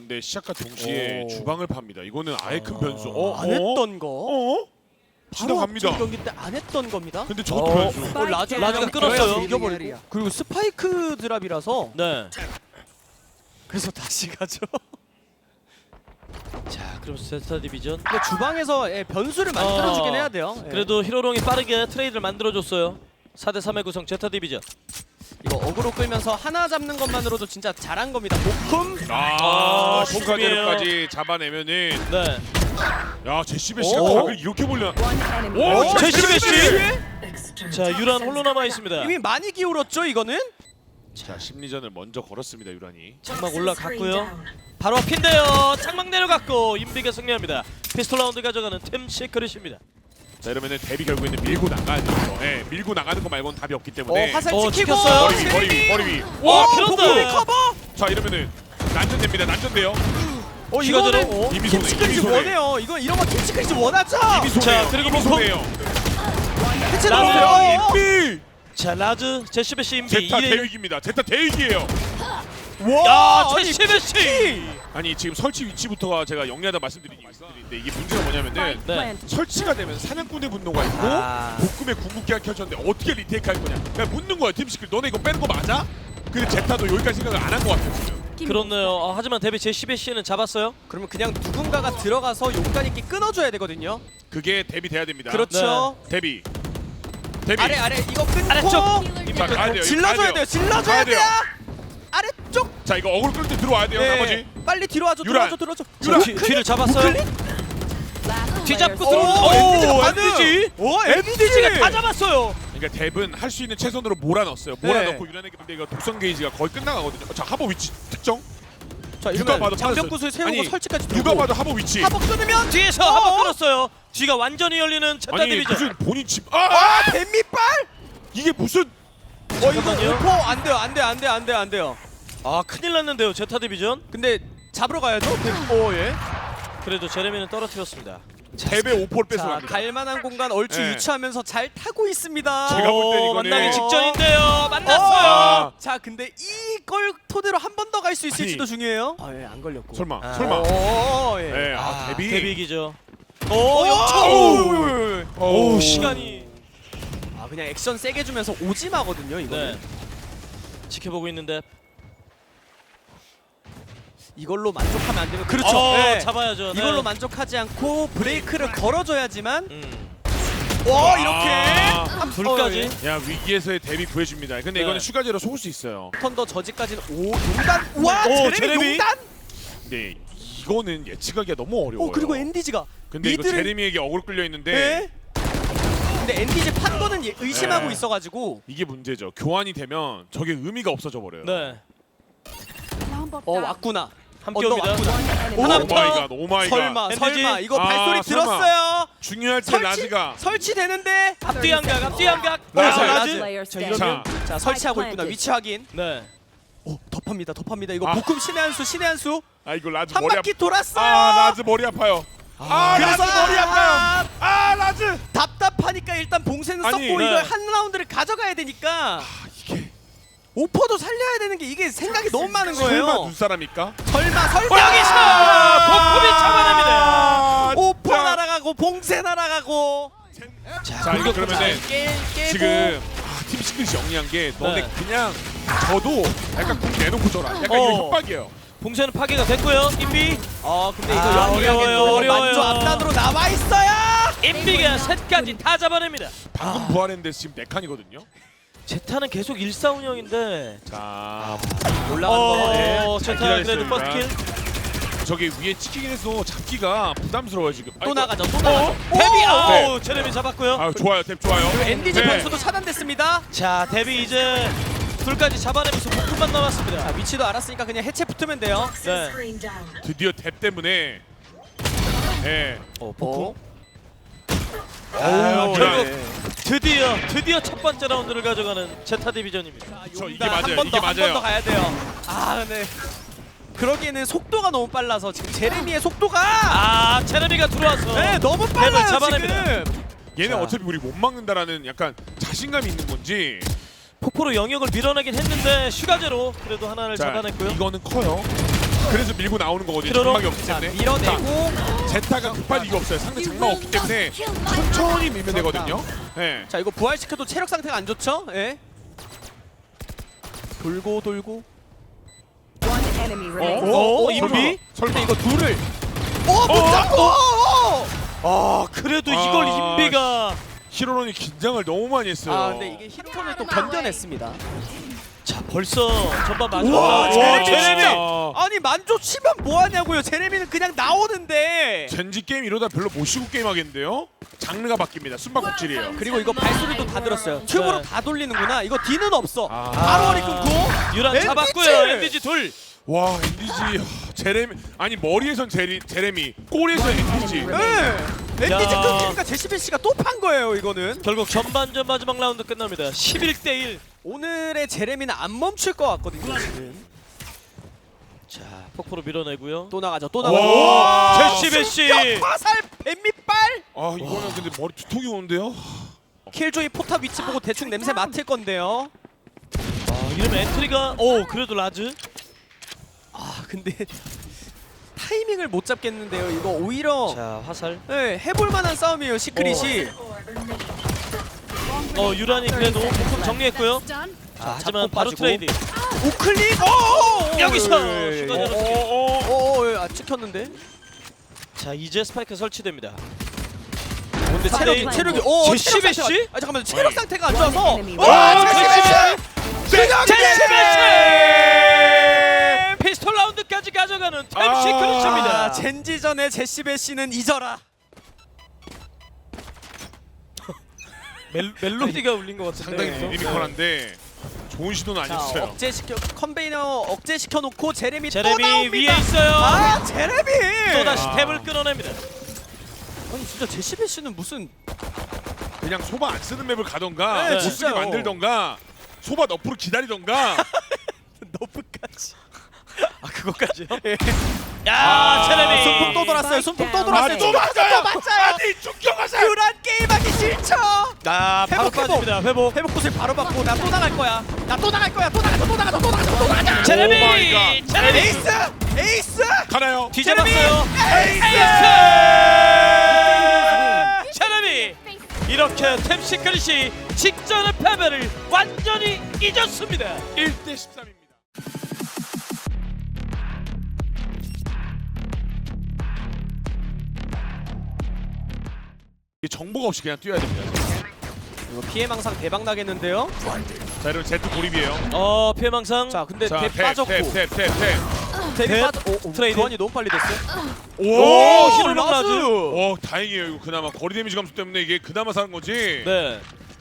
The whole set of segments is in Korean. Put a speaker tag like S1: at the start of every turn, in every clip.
S1: 근데 시작과 동시에 주방을 팝니다. 이거는 아예 큰 변수.
S2: 안 했던 거.
S1: 지나갑니다.
S2: 바로 경기 때 안 했던 겁니다.
S1: 근데 저것도 변수.
S2: 라즈가
S3: 끊었어요.
S2: 이겨버리고. 그리고 스파이크 드랍이라서
S3: 네.
S2: 그래서 다시 가죠.
S3: 자, 그럼 제타 디비전.
S2: 근데 주방에서 변수를 만들어주긴 해야 돼요. 예.
S3: 그래도 히로롱이 빠르게 트레이드를 만들어줬어요. 4대 3의 구성 제타 디비전.
S2: 이거 어그로 끌면서 하나 잡는 것만으로도 진짜 잘한 겁니다. 복금.
S1: 포카제로까지 잡아내면은
S3: 네.
S1: 야 제시베시가
S2: 오.
S1: 각을 이렇게 벌려.
S3: 오, 제시베시.
S2: 제시베시.
S3: 자, 유란 홀로 남아 있습니다.
S2: 이미 많이 기울었죠 이거는.
S1: 자 심리전을 먼저 걸었습니다 유란이.
S3: 장막 올라갔고요. 바로 앞인데요. 장막 내려갔고 인비가 승리합니다. 피스톨 라운드 가져가는 팀 시크릿입니다.
S1: 자 이러면은 데뷔 결국에는 밀고 나가야죠. 예, 밀고 나가는 거 말고는 답이 없기 때문에.
S2: 화살
S3: 어,
S2: 찍히고.
S3: 찍혔어요.
S1: 머리 위, 머리 위.
S3: 와,
S2: 복금이
S3: 그런다.
S2: 커버.
S1: 자 이러면은 난전됩니다. 난전돼요.
S2: 이거는
S1: 이미 손해,
S2: 팀시크릿이
S1: 이미 손해.
S2: 원해요. 이거 이런 거 팀시크릿이 원하죠.
S1: 이미 손해요.
S3: 자, 그리고
S1: 이미
S3: 펑펑.
S1: 손해요.
S2: 해체됐어요.
S1: 인비.
S3: 자, 라즈 제시베시 인비
S1: 제타
S3: 2대1.
S1: 대위기입니다. 제타 대위기예요.
S2: 와,
S3: 야, 제시베시.
S1: 아니 지금 설치 위치부터가 제가 영리하다 말씀드리는데 이게 문제가 뭐냐면은
S3: 네.
S1: 설치가 되면 사냥꾼의 분노가 있고
S2: 아.
S1: 복금의 궁극기가 켜졌는데 어떻게 리테이크 할 거냐. 그냥 묻는 거야 팀시클. 너네 이거 빼는 거 맞아? 근데 제타도 여기까지 생각을 안 한 것 같아요 지금.
S3: 그렇네요. 하지만 데뷔 제시베시는 잡았어요.
S2: 그러면 그냥 누군가가 들어가서 용간 있게 끊어줘야 되거든요.
S1: 그게 데뷔 돼야 됩니다.
S2: 그렇죠.
S1: 데뷔.
S2: 아래 이거 끊고
S3: 아래쪽.
S1: 자 가야 돼요.
S2: 질러줘야 돼요. 질러줘야
S1: 가야
S2: 돼요.
S1: 돼요.
S2: 아래쪽.
S1: 자 이거 어그로 끌 때 들어와야 돼요. 나머지.
S2: 빨리 뒤로 와줘.
S1: 유란.
S2: 들어와줘.
S3: 자, 뒤를 잡았어요. 뒤잡고 들어오는
S2: 오,
S3: 엔디지. 엔디지가 다 잡았어요.
S1: 그러니까 뎁은 할 수 있는 최선으로 몰아넣었어요. 몰아넣고 유난하게 근데 이거 독성 게이지가 거의 끝나가거든요. 자 하버 위치 특정.
S2: 자,
S1: 누가 봐도
S2: 장벽구슬 세우고
S1: 아니,
S2: 설치까지
S1: 누가
S2: 들고.
S1: 봐도 하버 위치.
S2: 하복 끊으면
S3: 뒤에서 한번 끌었어요. 뒤가 완전히 열리는 제타
S1: 아니
S3: 디비전.
S1: 무슨 본인 집.
S2: 뱀밑발.
S1: 이게 무슨.
S2: 이거
S3: 잠깐만요.
S2: 오퍼 안 돼요.
S3: 아, 큰일 났는데요. 제타 디비전.
S2: 근데 잡으러 가야죠. 예.
S3: 그래도 제레미는 떨어뜨렸습니다.
S1: 뎁의 오퍼를
S2: 자,
S1: 뺏어갑니다.
S2: 갈만한 공간 얼추
S1: 네.
S2: 유추하면서 잘 타고 있습니다.
S1: 제가 볼 땐 이거는-
S3: 만나기 직전인데요. 만났어요.
S1: 아.
S2: 자, 근데 이걸 토대로 한 번 더 갈 수 있을지도
S1: 아니.
S2: 중요해요. 예, 안 걸렸고.
S1: 설마.
S3: 아.
S1: 설마.
S2: 예.
S1: 네, 데뷔.
S3: 데뷔기죠.
S2: 오,
S3: 시간이.
S2: 아, 그냥 액션 세게 주면서 오지마거든요, 이거는.
S3: 네. 지켜보고 있는데.
S2: 이걸로 만족하면 안 되면 그렇죠. 네.
S3: 잡아야죠. 네.
S2: 이걸로 만족하지 않고 브레이크를 걸어줘야지만
S1: 아.
S2: 이렇게
S3: 둘까지.
S1: 야 위기에서의 데뷔 구해줍니다. 근데
S3: 네.
S1: 이거는 슈가제로 속을 수 있어요.
S2: 턴더 저지까지는 용단. 와,
S3: 오,
S2: 제레미
S3: 제레미.
S2: 용단.
S1: 근데 이거는 예측하기가 너무 어려워요.
S2: 그리고 엔디지가
S1: 근데 이거 제레미에게 어그로 끌려 있는데
S2: 네. 근데 엔디지 판도는 의심하고
S1: 네.
S2: 있어가지고
S1: 이게 문제죠. 교환이 되면 저게 의미가 없어져 버려요.
S3: 네.
S2: 왔구나.
S3: 함께
S2: 언더
S3: 옵니다.
S2: 왔구나.
S1: 오 마이 갓, 오 마이 갓.
S2: 설마
S3: 엔디지.
S2: 이거
S1: 아,
S2: 발소리
S1: 설마.
S2: 들었어요.
S1: 중요할 때 라즈가
S2: 설치되는데
S3: 앞뒤 양각, 앞뒤 양각.
S1: 라즈.
S3: 라즈.
S2: 자, 이러면 자 설치하고 있구나. 위치 확인.
S3: 네.
S2: 오, 덮합니다. 이거
S1: 아.
S2: 복금 신의 한 수.
S1: 아 이거 라즈
S2: 한
S1: 머리
S2: 바퀴
S1: 아파.
S2: 돌았어요.
S1: 라즈 머리 아파요. 라즈 머리 아파요. 라즈.
S2: 답답하니까 일단 봉쇄는
S1: 아니,
S2: 썼고
S3: 네.
S2: 이걸 한 라운드를 가져가야 되니까
S1: 이게
S2: 오퍼도 살려야 되는 게 이게 생각이 너무 많은
S1: 설마
S2: 거예요.
S1: 눈사람입니까?
S2: 설마
S3: 여기서 복품이 잡아냅니다.
S2: 오퍼 날아가고 봉쇄 날아가고.
S1: 자 이거 그러면은
S2: 깨고
S1: 지금 팀 시크릿이 영리한 게 너네
S3: 네.
S1: 그냥 저도 약간 궁 내놓고 줘라. 약간 이거 협박이에요.
S3: 봉쇄는 파괴가 됐고요. 인비.
S2: 근데 이거
S3: 아,
S2: 영리하게
S3: 어려워요.
S2: 만조 앞단으로 나와 있어요.
S3: 인비가 셋까지 다 잡아냅니다.
S1: 방금 부활했는데 지금 4칸이거든요.
S3: 제타는 계속 1사 운영인데.
S1: 자
S2: 올라가는 거.
S3: 제타
S1: 기다렸어요,
S3: 그래도 퍼스트 킬.
S1: 저기 위에 찍히긴 해서 잡기가 부담스러워요 지금.
S2: 또 나가죠. 또
S3: 어?
S2: 나가죠.
S3: 데뷔.
S1: 네.
S3: 제레미 잡았고요.
S1: 아 좋아요, 탭 좋아요.
S2: 엔디지
S1: 네.
S2: 변수도 차단됐습니다.
S3: 자, 데뷔 이제 둘까지 잡아내면서 복품만 남았습니다.
S2: 자, 위치도 알았으니까 그냥 해체 붙으면 돼요.
S3: 네.
S1: 드디어 탭 때문에. 예.
S3: 복품.
S1: 아,
S3: 결국 드디어 첫 번째 라운드를 가져가는 제타 디비전입니다.
S1: 저 이게 맞아요.
S2: 한
S1: 이게
S2: 번 더
S1: 맞아요.
S2: 가야 돼요. 근데 그러기에는 속도가 너무 빨라서 지금 제레미의 속도가
S3: 제레미가 들어와서
S2: 너무 빨라요
S3: 잡아냅니다.
S2: 지금.
S1: 얘는
S2: 자.
S1: 어차피 우리 못 막는다라는 약간 자신감이 있는 건지.
S3: 폭포로 영역을 밀어내긴 했는데 슈가제로 그래도 하나를
S1: 자,
S3: 잡아냈고요.
S1: 이거는 커요. 그래서 밀고 나오는 거거든요.
S3: 키로로.
S1: 장막이 없기
S2: 자,
S1: 때문에.
S2: 밀어내고.
S1: 자, 제타가 급할 이유가 없어요. 상대 장막 없기 때문에 천천히 밀면 되거든요. 예.
S2: 자, 이거 부활시켜도 체력 상태가 안 좋죠? 예. 돌고 돌고.
S4: One enemy remaining.
S2: 오,
S3: 인비?
S2: 근데 이거 둘을. 못 잡고.
S3: 아 그래도 이걸 인비가
S1: 히로론이 긴장을 너무 많이 했어요.
S2: 아, 근데 이게 히로톤을 또 견뎌냈습니다.
S3: 자 벌써 전반
S2: 와,
S3: 마지막
S2: 제레미
S3: 제레미
S2: 진짜. 아니 만조 치면 뭐 하냐고요. 제레미는 그냥 나오는데.
S1: 젠지 게임 이러다 별로 못 쉬고 게임 하겠는데요? 장르가 바뀝니다. 숨바꼭질이에요.
S2: 그리고 이거 발소리도 다 들었어요. 튜브로 다 돌리는구나. 이거 뒤는 없어.
S1: 아.
S2: 바로 허리 끊고.
S3: 유란
S2: 엔디지!
S3: 잡았고요. 엔디지 둘.
S1: 와, 엔디지 제레미 아니 머리에선 제레미, 골에서 엔디지.
S2: 네. 엔디지
S3: 야.
S2: 끊기니까 제시빈 씨가 또 판 거예요. 이거는.
S3: 결국 전반전 마지막 라운드 끝납니다. 11대1.
S2: 오늘의 제레미는 안 멈출 것 같거든요. 지금.
S3: 자 폭포로 밀어내고요.
S2: 또 나가죠. 또
S1: 와,
S2: 나가죠.
S3: 제시베시.
S2: 화살 뱀밑발.
S1: 아, 이거는 근데 머리 두통이 오는데요?
S2: 킬조이 포탑 위치 보고 대충 냄새 맡을 건데요.
S3: 이러면 엔트리가 그래도 라즈.
S2: 아 근데 타이밍을 못 잡겠는데요. 이거 오히려
S3: 자 화살.
S2: 네, 해볼 만한 싸움이에요. 시크릿이.
S3: 유란이 그래도 목숨 정리했고요. 자, 하지만
S2: 잡고
S3: 바로
S2: 빠지고.
S3: 트레이드.
S2: 우클릭.
S3: 여기서
S2: 예, 예,
S3: 슈가
S2: 예.
S3: 내렸습니다.
S2: 아 찍혔는데.
S3: 자 이제 스파이크 설치됩니다.
S2: 근데
S3: 상대인
S2: 체력이
S3: 제시베
S2: 체력
S3: 씨?
S2: 상태가- 아 잠깐만 체력 상태가 안 좋아서.
S4: Enemy
S2: 와
S3: remaining.
S2: 제시베 씨.
S3: 피스톨 라운드까지 가져가는 템
S1: 아,
S3: 시크릿입니다.
S2: 젠지전의 제시베 씨는 잊어라.
S3: 멜로디가 울린 것
S1: 상당히
S3: 같은데.
S1: 미니컬한데 좋은 시도는
S2: 자
S1: 아니었어요.
S2: 억제시켜 컨베이너 억제시켜 놓고 제레미 또
S3: 제레미
S2: 나옵니다.
S3: 위에 있어요.
S2: 아 제레미.
S3: 또 다시
S1: 아.
S3: 탭을 끊어냅니다.
S2: 아니 진짜 제시베 씨는 무슨
S1: 그냥 소바 안 쓰는 맵을 가던가
S2: 네,
S1: 못 쓰게
S2: 진짜요.
S1: 만들던가 소바 너프로 기다리던가.
S2: 너프까지.
S3: 아 그것까지요?
S2: 야
S3: 아, 제레미.
S2: 순풍 또 돌았어요. 순풍 또
S1: 아,
S2: 돌았어요.
S1: 또 맞아요.
S2: 맞아요.
S1: 아니 충격하세요.
S2: 유란 게임하기 싫죠.
S3: 아 바로
S2: 회복, 회복.
S3: 빠집니다. 회복.
S2: 회복 곳을 바로 받고 나 또 나갈 거야. 나 또 나갈 거야. 또 나가자. 또 나가자. 또 나가자. 또 나가자.
S1: 오 마이
S3: 제레미.
S1: 갓.
S3: 제레미.
S2: 에이스. 에이스.
S1: 가나요?
S3: 뒤잡았어요.
S2: 에이스.
S3: 제레미. 이렇게 템 시크릿이 직전의 패배를 완전히 잊었습니다.
S1: 1대 13입니다. 정보가 없이 그냥 뛰어야 됩니다.
S2: 이거 피해 망상 대박 나겠는데요.
S1: 자, 여러분 제트 고립이에요.
S3: 피해망상.
S2: 자 근데
S1: 자,
S2: 대 빠졌고.
S1: 탭.
S2: 대
S3: 탭.
S2: 빠져.
S3: 트레이드.
S2: 교환이 너무 빨리 됐어요.
S1: 오,
S3: 히로롱 라즈.
S1: 오, 다행이에요. 이거 그나마 거리 데미지 감소 때문에 이게 그나마 사는 거지.
S3: 네.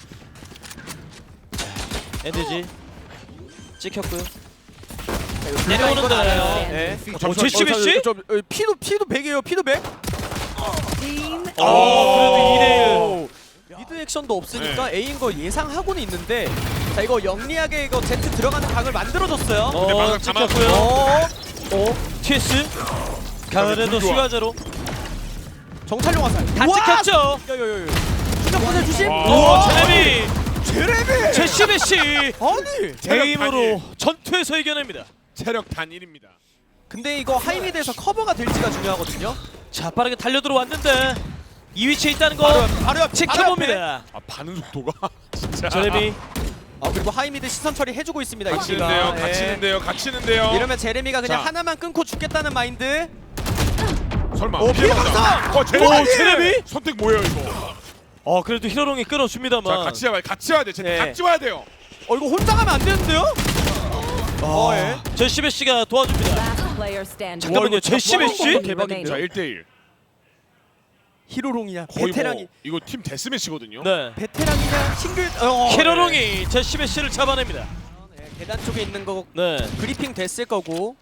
S3: 엔드지 찍혔고요. 내려오는데.
S2: 네.
S3: 제시베 씨?
S2: 피도 100이에요. 피도 100.
S4: Team
S3: 그래도 2대1.
S2: 미드 액션도 없으니까 A인 거 예상하고는 있는데 자 이거 영리하게 이거 Z 들어가는 각을 만들어줬어요.
S1: 근데 방금
S3: 찍혔고요.
S2: 어?
S3: TS 가을에도
S1: 불 좋아.
S3: 수가제로
S2: 정찰용 화살.
S3: 다 찍혔죠.
S2: 야야야야. 추적 보내주심.
S1: 와.
S3: 제레미
S2: 제레미.
S3: 제시베 씨
S2: 아니.
S3: 게임으로 전투에서 이겨냅니다.
S1: 체력 단 1입니다.
S2: 근데 이거 하이미드에서 커버가 될지가 중요하거든요.
S3: 자 빠르게 달려 들어왔는데 이 위치에 있다는 거
S2: 바로 옆
S3: 지켜봅니다.
S1: 아, 반응 속도가 진짜.
S3: 제레미
S2: 아 그리고 하이미드 시선 처리 해주고 있습니다.
S1: 갇히는데요.
S2: 이치가. 예.
S1: 갇히는데요.
S2: 이러면 제레미가 그냥
S1: 자.
S2: 하나만 끊고 죽겠다는 마인드.
S1: 설마.
S2: 오, 피해 방상!
S1: 제레미.
S3: 제레미?
S1: 선택 뭐예요, 이거?
S3: 그래도 히로롱이 끌어줍니다만.
S1: 자, 같이 와야 돼.
S2: 네.
S1: 같이 와야 돼요.
S2: 이거 혼자 가면 안 되는데요? 예.
S3: 제시베 씨가 도와줍니다.
S4: last player standing.
S3: 잠깐만요, 제시베 씨?
S4: Remaining.
S1: 자, 1대1.
S2: 히로롱이야.
S1: 거의
S2: 베테랑이.
S1: 뭐 이거 팀 데스매치거든요.
S3: 네.
S2: 베테랑이냐 싱글.
S3: 히로롱이 제시베 씨를 잡아냅니다.
S2: 네, 계단 쪽에 있는 거
S3: 네.
S2: 그리핑 됐을 거고.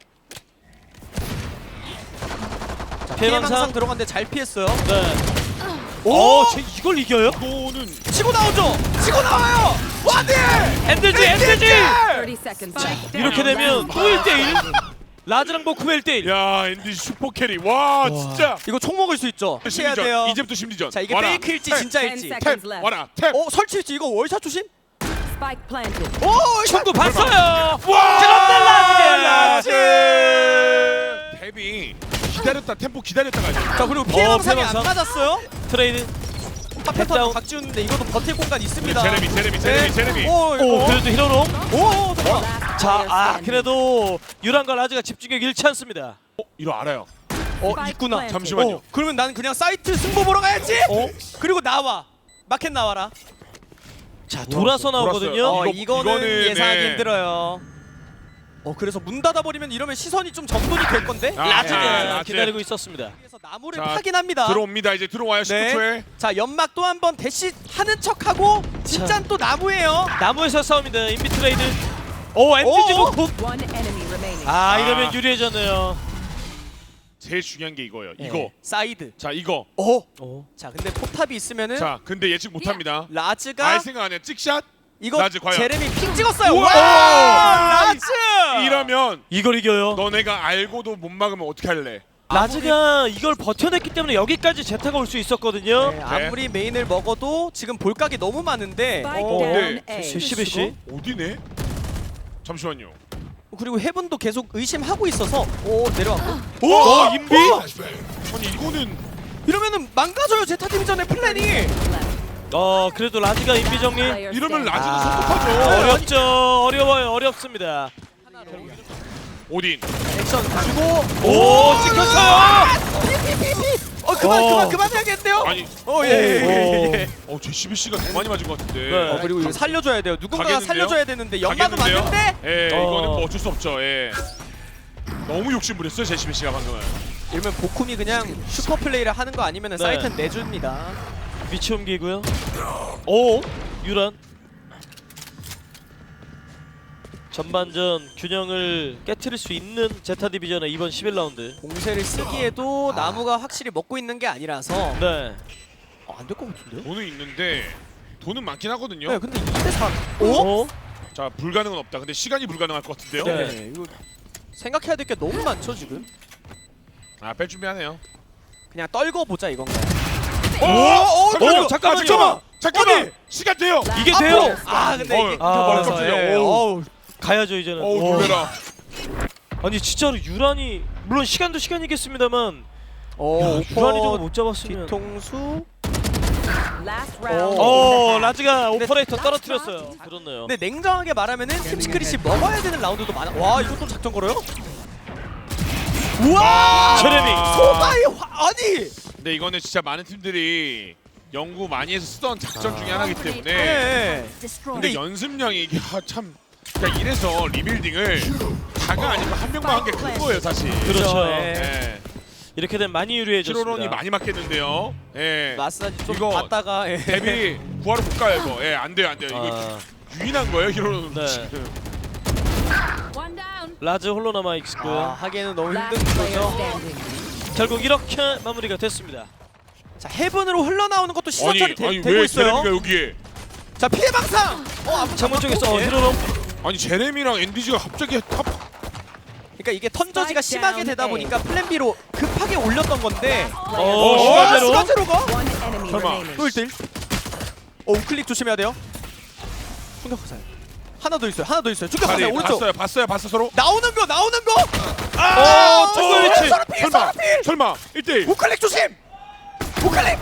S2: 자,
S3: 피해
S2: 피해
S3: 망상.
S2: 망상 들어갔는데 잘 피했어요.
S3: 네.
S2: 오!
S3: 쟤 이걸 이겨요?
S1: 이거는
S2: 치고 나오죠. 치고 나와요. 와드!
S3: 엔드지 엔드지.
S4: 30 seconds.
S3: 이렇게 되면 또 1대1. 라즈랑 보쿠베 1대1.
S1: 야, 엔디 슈퍼 캐리. 와, 진짜.
S2: 이거 총 먹을 수 있죠. 해야
S1: 심리전.
S2: 돼요.
S1: 이제부터 심리전.
S2: 자 이게
S1: 와라.
S2: 페이크일지
S1: 탭,
S2: 진짜일지.
S4: 10 seconds
S1: 탭.
S4: left.
S1: 와라. 탭.
S2: 설치일지 이거 월샷 조심.
S4: Spike planted.
S2: 오
S3: 축구 봤어요.
S1: 그런데
S3: 라즈.
S1: 데뷔 기다렸다 템포 기다렸다가
S2: 자 그리고 피해 방상이 안
S3: 피해 방상.
S2: 맞았어요.
S3: 트레이드.
S2: 파페턴
S3: 다운.
S2: 박지훈인데 이것도 버틸 공간 있습니다.
S1: 제레미
S2: 오,
S3: 오 그래도 히로롱.
S2: 오, 잠깐만.
S4: Last
S3: 자,
S4: player standing.
S3: 그래도 유란과 라즈가 집중력 잃지 않습니다.
S1: 이거 알아요.
S2: 있구나.
S1: 잠시만요.
S2: 그러면 나는 그냥 사이트 승부 보러 가야지. 그리고 나와. 마켓 나와라.
S3: 자, 돌아서 나오거든요.
S2: 이거는 예상하기
S1: 네.
S2: 힘들어요. 그래서 문 닫아버리면 이러면 시선이 좀 정돈이 될 건데.
S1: 아,
S3: 라즈가
S1: 라즈.
S3: 기다리고 있었습니다.
S2: 그래서 나무를
S1: 자,
S2: 파긴 합니다.
S1: 들어옵니다. 이제 들어와요. 19초에.
S2: 네. 자 연막 또 한번 대시 하는 척하고 진짜 또 나무예요.
S3: 나무에서 싸웁니다. 인비 트레이드. 오, MGG
S2: 오!
S3: 놓고.
S4: One enemy remaining.
S3: 아, 이러면
S1: 아.
S3: 유리해졌네요.
S1: 제일 중요한 게 이거예요.
S2: 네.
S1: 이거.
S2: 사이드.
S1: 자, 이거.
S3: 오.
S2: 자 근데 포탑이 있으면은
S1: 자, 근데 예측 못 합니다.
S2: 라즈가
S1: 알 생각 안 해요. 찍샷?
S2: 이거
S1: 라즈 과연?
S2: 제레미 핑 찍었어요.
S1: 우와!
S2: 와 라즈.
S1: 이러면
S3: 이걸 이겨요.
S1: 너네가 알고도 못 막으면 어떻게 할래?
S3: 라즈가 이걸 버텨냈기 때문에 여기까지 제타가 올 수 있었거든요.
S2: 네, 아무리 메인을 먹어도 지금 볼각이 너무 많은데
S4: Spike
S1: 네.
S4: down A.
S3: 시비시.
S1: 어디네? 잠시만요.
S2: 그리고 헤븐도 계속 의심하고 있어서 내려왔고
S1: 오!
S3: 인비?
S1: 아니 이거는
S2: 이러면은 망가져요 제타 디비전의 플랜이.
S4: Left.
S3: 그래도 라즈가 인비 정리.
S4: Player
S1: 이러면
S4: standing.
S1: 라즈가
S2: 아.
S1: 성급하죠.
S3: 어렵죠. 어려워요. 어렵습니다.
S1: 오딘.
S2: 액션 주고
S3: 오, 찍혔어요.
S2: 그만 해야겠는데요.
S1: 아니.
S2: 예.
S1: JCBC가 더 많이 맞은 것 같은데.
S3: 네.
S2: 그리고 이거 살려줘야 돼요. 누군가가
S1: 가겠는데요?
S2: 살려줘야 되는데 연막은
S1: 가겠는데요?
S2: 맞는데
S1: 예,
S3: 어.
S1: 이거는 뭐 어쩔 수 없죠. 예. 너무 욕심부렸어요, JCBC가 방금은.
S2: 이러면 보쿰이 그냥 슈퍼 플레이를 하는 거 아니면은
S3: 네.
S2: 사이트는 내줍니다.
S3: 위치 옮기고요. 오, 유란. 전반전 균형을 깨트릴 수 있는 제타 디비전의 이번 11라운드.
S2: 공세를 쓰기에도 나무가 확실히 먹고 있는 게 아니라서
S3: 네.
S2: 안 될 것 같은데요?
S1: 돈은 있는데 돈은 많긴 하거든요.
S2: 네, 근데 2대3
S3: 오?
S1: 자, 불가능은 없다. 근데 시간이 불가능할 것 같은데요.
S3: 네.
S2: 이거 생각해야 될 게 너무 많죠 지금.
S1: 아, 뺄 준비하네요.
S2: 그냥 떨궈 보자 이건가요?
S1: 잠깐만요.
S3: 잠깐만.
S1: 잠깐만. 시간 돼요.
S3: 이게
S2: 앞으로!
S3: 돼요?
S2: 아 근데 이게
S3: 아,
S1: 깜짝이야.
S2: 어우.
S3: 가야죠 이제는.
S1: 어우, 놀래라.
S3: 아니 진짜로 유란이 물론 시간도 시간이겠습니다만
S2: 오퍼
S3: 유란이 저거 못 잡았으면.
S2: 뒤통수.
S4: Last round.
S3: 오, 라즈가 오퍼레이터 떨어뜨렸어요. 그렇네요.
S2: 근데 냉정하게 말하면은 팀 시크릿이 먹어야 되는 라운드도 많아. 와 이것도 작전 걸어요? 우와!
S3: 제레미.
S2: 소바의 아니!
S1: 근데 이거는 진짜 많은 팀들이 연구 많이 해서 쓰던 작전 중에 하나이기 때문에.
S2: 네.
S1: 근데 연습량이 이게 참 그러니까 이래서 리빌딩을 다가 아니고 한 명만 한 게 큰 거예요, 사실.
S3: 그렇죠.
S2: 예.
S1: 예.
S3: 이렇게 되면 많이 유리해졌습니다.
S1: 키로론이 많이 맞겠는데요. 예.
S2: 마사지 좀
S1: 이거
S2: 받다가
S1: 데뷔 구하러 못 가요, 이거. 예, 안 돼요, 안 돼요. 이거 유인한 거예요, 히로론.
S3: 네.
S1: 지금.
S4: One down.
S3: 라즈 홀로 남아 있고요.
S2: 하기에는 너무
S4: Last
S2: 힘든
S4: player
S2: 거죠.
S4: standing.
S3: 결국 이렇게 마무리가 됐습니다.
S2: 자 헤븐으로 흘러나오는 것도 시선
S1: 아니,
S2: 처리
S1: 아니
S2: 되고
S1: 왜
S2: 있어요.
S1: 제레미가 여기에?
S2: 자 피해 방상. 앞으로
S3: 창문 쪽에서
S2: 예.
S3: 히로롱.
S1: 아니 제레미랑 엔디지가 갑자기 탑.
S2: 그러니까 이게 턴저지가
S4: Spike
S2: 심하게
S4: down
S2: 되다
S4: A.
S2: 보니까 플랜 B로 급하게 올렸던 건데.
S3: 시간제로.
S2: 시간제로가?
S4: One enemy
S1: 설마.
S4: remaining.
S2: 또 1대1. 우클릭 조심해야 돼요. 충격화살. 하나 더 있어요. 하나 더 있어요. 충격화살
S1: 다리
S2: 오른쪽.
S1: 봤어요 서로.
S2: 나오는 거.
S3: 정글 위치.
S2: 서로 필. 서로 필.
S1: 설마 1대1.
S2: 우클릭 조심. 우클릭.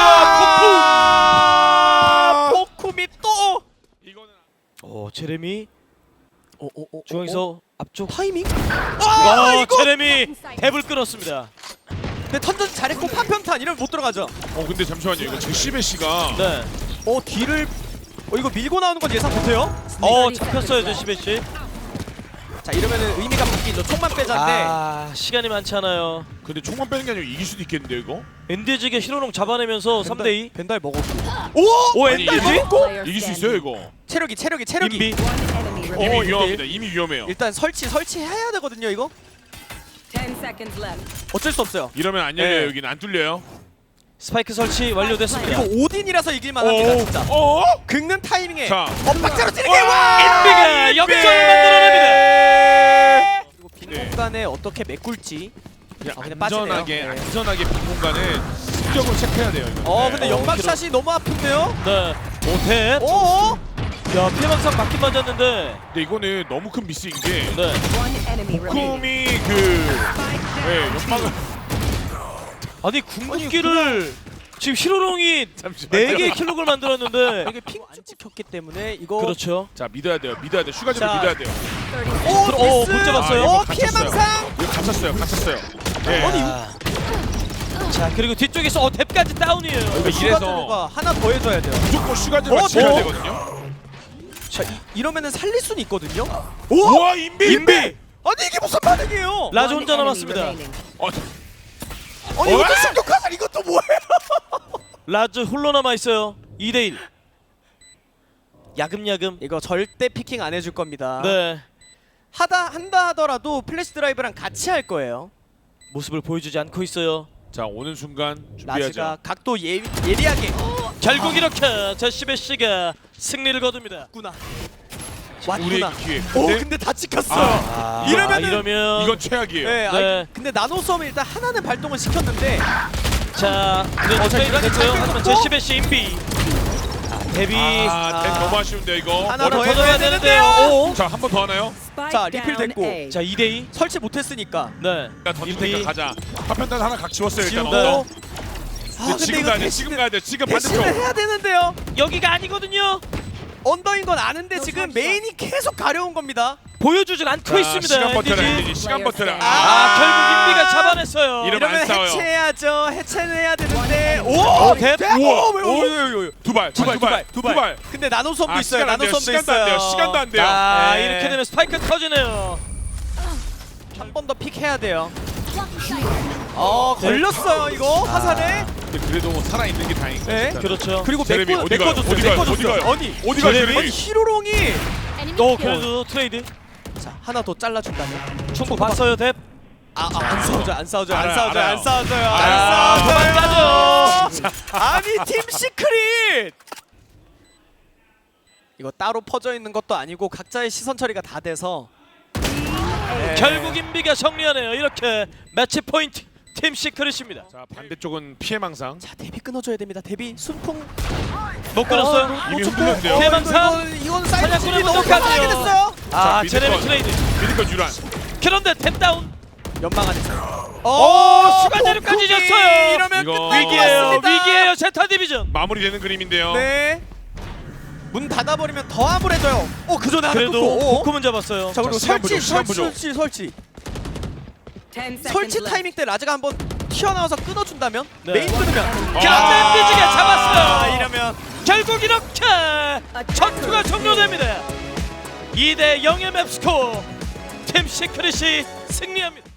S2: 포쿰이 또.
S1: 이거는
S3: 제레미
S2: 중앙에서
S3: 중앙에서 앞쪽.
S2: 타이밍? 이거.
S3: 제레미 탭을 끊었습니다.
S2: 근데 턴저지 잘했고 파편탄 이러면 못 들어가죠.
S1: 근데 잠시만요. 이거 제시베시가
S3: 네.
S2: 뒤를 이거 밀고 나오는 건 예상 못해요.
S3: 잡혔어요 제시베시.
S2: 자 이러면은 의미가 바뀌죠. 총만 빼자인데.
S3: 시간이 많지 않아요.
S1: 근데 총만 빼는 게 아니고 이길 수도 있겠는데요, 이거?
S3: 엔디지게 히로롱 잡아내면서 3대2.
S2: 벤달 먹었고.
S3: 오,
S1: 아니,
S3: 엔디지?
S4: Player
S1: 이길 수
S4: standing.
S1: 있어요, 이거.
S2: 체력이.
S3: 인비.
S4: One enemy
S1: 이미
S4: remaining.
S1: 위험합니다. 이미 위험해요.
S2: 일단 설치해야 되거든요. 이거
S4: 10 seconds left.
S2: 어쩔 수 없어요.
S1: 이러면 안 열려요.
S2: 네.
S1: 여기는 안 뚫려요.
S3: 스파이크 설치 완료됐습니다.
S2: 이거 오딘이라서 이길만합니다. 진짜. 긁는 타이밍에
S1: 자.
S2: 엇박자로 찌르게 와.
S3: 인비가 역전을 만들어냅니다.
S2: 그리고 빈
S1: 네.
S2: 공간에 어떻게 메꿀지.
S1: 그냥
S2: 그냥 빠지네요.
S1: 안전하게
S2: 네.
S1: 안전하게 빈 공간은 습격으로 체크해야 돼요. 이거.
S2: 근데 연막 샷이 너무 아픈데요.
S3: 네. 오텐.
S2: 오.
S3: 야 피해망상 맞긴 맞았는데.
S1: 근데 이거는 너무 큰 미스인 게
S3: 네.
S4: One enemy remaining.
S1: 쿰이 그
S4: Spike down.
S1: 연막을
S3: 아니 궁극기를 지금 히로롱이
S1: 잠시만요.
S3: 4개의 킬록을 만들었는데.
S2: 이게 핑안 찍혔기 때문에 이거
S3: 그렇죠.
S1: 자 믿어야 돼요. 슈가즈를
S2: 자.
S1: 믿어야 돼요.
S4: 30
S2: 오
S3: 못
S2: 미스.
S3: 잡았어요.
S2: 오
S1: 이거
S2: 피해
S1: 갇혔어요.
S2: 망상.
S1: 이거 갇혔어요. 네.
S3: 아. 자 그리고 뒤쪽에서 탭까지 다운이에요.
S1: 이거 이래서
S2: 슈가드가 하나 더 해줘야 돼요.
S1: 무조건 슈가즈를 지켜야
S2: 뭐?
S1: 되거든요.
S2: 자 이러면은 살릴 수는 있거든요.
S1: 우와 인비.
S2: 아니 이게 무슨 반응이에요?
S3: 라즈
S4: One
S3: 혼자
S4: enemy
S3: 남았습니다.
S4: remaining.
S2: 아니
S1: 어?
S2: 이것도 충격하자. 이것도 뭐예요?
S3: 라즈 홀로 남아 있어요. 2대1. 야금야금.
S2: 이거 절대 피킹 안 해줄 겁니다.
S3: 네.
S2: 한다 하더라도 플래시 드라이브랑 같이 할 거예요.
S3: 모습을 보여주지 않고 있어요.
S1: 자 오는 순간
S2: 라즈가
S1: 준비하죠.
S2: 각도 예리하게
S3: 결국 이렇게 제시베시가 승리를 거둡니다.
S2: 왔구나.
S1: 우리의
S2: 왔구나.
S1: 기회.
S2: 오
S1: 근데
S2: 근데 다 찍혔어.
S3: 아,
S2: 이러면은
S3: 이러면
S1: 이건 최악이에요.
S2: 네,
S3: 네.
S2: 근데 나노 썸을 일단 하나는 발동을 시켰는데
S3: 자, 이제
S2: 자,
S3: 트레이드
S2: 이번에
S3: 됐고요.
S2: 잘
S3: 하지만
S2: 뺐고.
S3: 제시베시 인비. 데뷔.
S1: 템 너무 아쉬운데 이거.
S2: 하나 더
S3: 머리
S2: 해줘야
S3: 터져야
S2: 되는데요.
S3: 되는데요.
S1: 자 한 번 더 하나요?
S4: Spike
S2: 자, 리필
S4: down
S2: 됐고.
S4: A.
S3: 자, 2대2.
S2: 설치 못했으니까
S3: 네.
S1: 자 던질
S3: 인비.
S1: 테니까 가자. 파편단 하나 각 지웠어요 일단.
S2: 지우고
S1: 언더.
S2: 아,
S1: 지금
S2: 이거
S1: 가야 돼. 지금 가야 돼. 지금
S2: 대신을
S1: 반대쪽.
S2: 해야 되는데요.
S3: 여기가 아니거든요.
S2: 언더인 건 아는데 지금 메인이 계속 가려운 겁니다.
S3: 보여주질 않고
S1: 자,
S3: 있습니다.
S1: 시간 버텨라
S3: NDG.
S1: NDG. 시간 버텨라.
S3: 아, 결국 인비가 잡아냈어요.
S1: 이러면 안
S2: 이러면
S1: 싸워요.
S2: 해체해야죠. 해체는 해야 되는데
S3: 오, 대-
S1: 우와.
S2: 오,
S1: 두 발. 두 발.
S2: 근데 나노섬도
S1: 아,
S2: 있어요.
S1: 시간 안 돼요.
S2: 나노섬도
S1: 시간도 안
S2: 있어요.
S1: 돼요. 시간도 안 돼요.
S3: 자,
S2: 네.
S3: 이렇게 되면 스파이크 터지네요.
S2: 한 번 더 픽해야 돼요. 걸렸어요 이거 화살에.
S1: 근데 그래도 살아 있는 게 다행이죠.
S2: 네.
S1: 일단은.
S3: 그렇죠.
S2: 그리고
S1: 제레미 어디 가요?
S2: 메꿔줬어요.
S1: 어디 가요? 어디
S2: 메꿔줬어요.
S1: 가요?
S2: 아니
S1: 어디 가요?
S3: 제레미?
S2: 아니
S1: 제레미?
S2: 히로롱이
S3: 그래도 트레이드.
S2: 자 하나 더 잘라준다면.
S3: 충북 봤어요, 뎁.
S2: 안 싸우죠 안 싸우죠 안
S1: 알아요,
S2: 싸우죠
S1: 알아요.
S2: 안 싸우죠요
S3: 아,
S2: 안
S3: 도망가죠.
S2: 싸우죠. 아니 팀 시크릿. 이거 따로 퍼져 있는 것도 아니고 각자의 시선 처리가 다 돼서. 네.
S3: 결국 인비가 정리하네요. 이렇게 매치 포인트 팀 시크릿입니다.
S1: 자 반대쪽은 피해망상.
S2: 자 데뷔 끊어줘야 됩니다. 데뷔 순풍
S3: 못 끊었어요.
S1: 이미 흔들렸는데요.
S3: 피해망상.
S2: 이건 사이드
S3: 사냥꾼의
S2: 너무
S3: 문턱까지요.
S2: 강하게 됐어요.
S3: 아,
S1: 미드건.
S3: 제레미 트레이드.
S1: 미드건 유란.
S3: 그런데 탭 다운.
S2: 연방 안에서.
S3: 슈가제로까지 졌어요.
S2: 이러면
S1: 이거
S2: 끝날 것
S3: 위기예요.
S2: 같습니다.
S3: 위기예요. 제타 디비전.
S1: 마무리되는 그림인데요.
S2: 네. 문 닫아버리면 더 암울해져요. 그 전에 하나
S3: 그래도
S2: 끊고.
S3: 포크문 잡았어요.
S2: 자 그리고
S1: 시간 부족, 시간
S2: 설치.
S4: 10 seconds
S2: 설치
S4: left.
S2: 타이밍 때 라즈가 한번 튀어나와서 끊어준다면
S3: 네.
S2: 메인 끊으면
S3: 갓앤비지가 잡았어요.
S2: 이러면
S3: 결국 이렇게 전투가 종료됩니다. 2대 0의 맵스코어. 팀 시크릿이 승리합니다.